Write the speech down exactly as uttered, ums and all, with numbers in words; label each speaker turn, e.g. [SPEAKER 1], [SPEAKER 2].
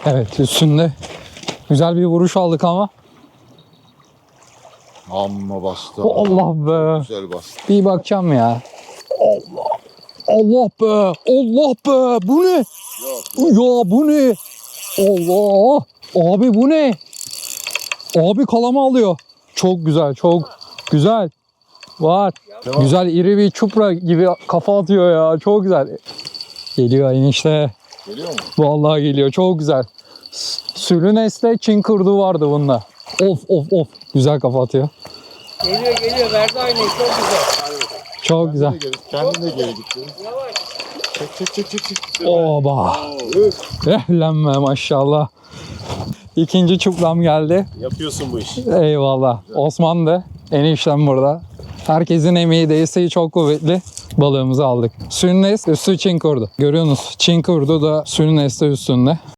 [SPEAKER 1] Evet, üstünde güzel bir vuruş aldık ama.
[SPEAKER 2] Amma bastı.
[SPEAKER 1] Allah be.
[SPEAKER 2] Güzel bastı.
[SPEAKER 1] Bir bakacağım ya. Allah. Allah be. Allah be. Bu ne?
[SPEAKER 2] Yok.
[SPEAKER 1] Ya bu ne? Allah. Abi bu ne? Abi kalama alıyor. Çok güzel, çok güzel. Var.
[SPEAKER 2] Tamam.
[SPEAKER 1] Güzel iri bir çupra gibi kafa atıyor ya. Çok güzel. Geliyor enişte.
[SPEAKER 2] Geliyor mu?
[SPEAKER 1] Vallahi geliyor. Çok güzel. Sülünes'te Çin kurdu vardı bunda. Of of of. Güzel kafa atıyor.
[SPEAKER 3] Geliyor geliyor verdi aynayı çok güzel.
[SPEAKER 1] Çok güzel.
[SPEAKER 2] Kendine geri gitti.
[SPEAKER 3] Yavaş.
[SPEAKER 2] Çek çek çek çek. çek.
[SPEAKER 1] Oba.
[SPEAKER 2] Üf.
[SPEAKER 1] Ehlenme maşallah. İkinci çupram geldi.
[SPEAKER 2] Yapıyorsun bu işi.
[SPEAKER 1] Eyvallah. Osman da eniştem burada. Herkesin emeği, desteği çok kuvvetli. Balığımızı aldık. Sülünes üstü Çin kurdu. Görüyorsunuz Çin kurdu da Sülünes'te üstünde.